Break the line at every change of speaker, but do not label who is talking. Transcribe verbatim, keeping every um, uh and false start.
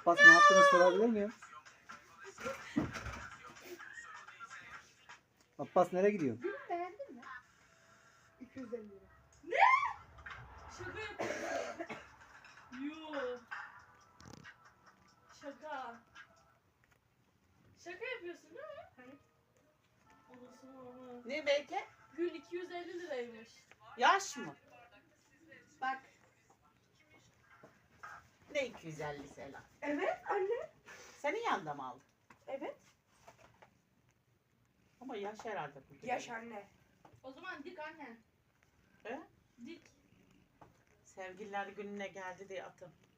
Abbas ne yaptığını sorabilir miyim? Abbas nereye gidiyor?
Gülüm beğendin mi? iki yüz elli lira.
Şaka yapıyorsun. Yoo. Şaka. Şaka yapıyorsun değil mi?
Hayır.
Anasını ama.
Ne belki?
Gül iki yüz elli liraymış.
Yaş mı?
Bak.
Ne iki yüz elli Sela?
Evet anne.
Senin yanında mı aldın?
Evet.
Ama yaş herhalde bu.
Yaş anne.
O zaman dik annen.
He?
Dik.
Sevgililer gününe geldi diye atın.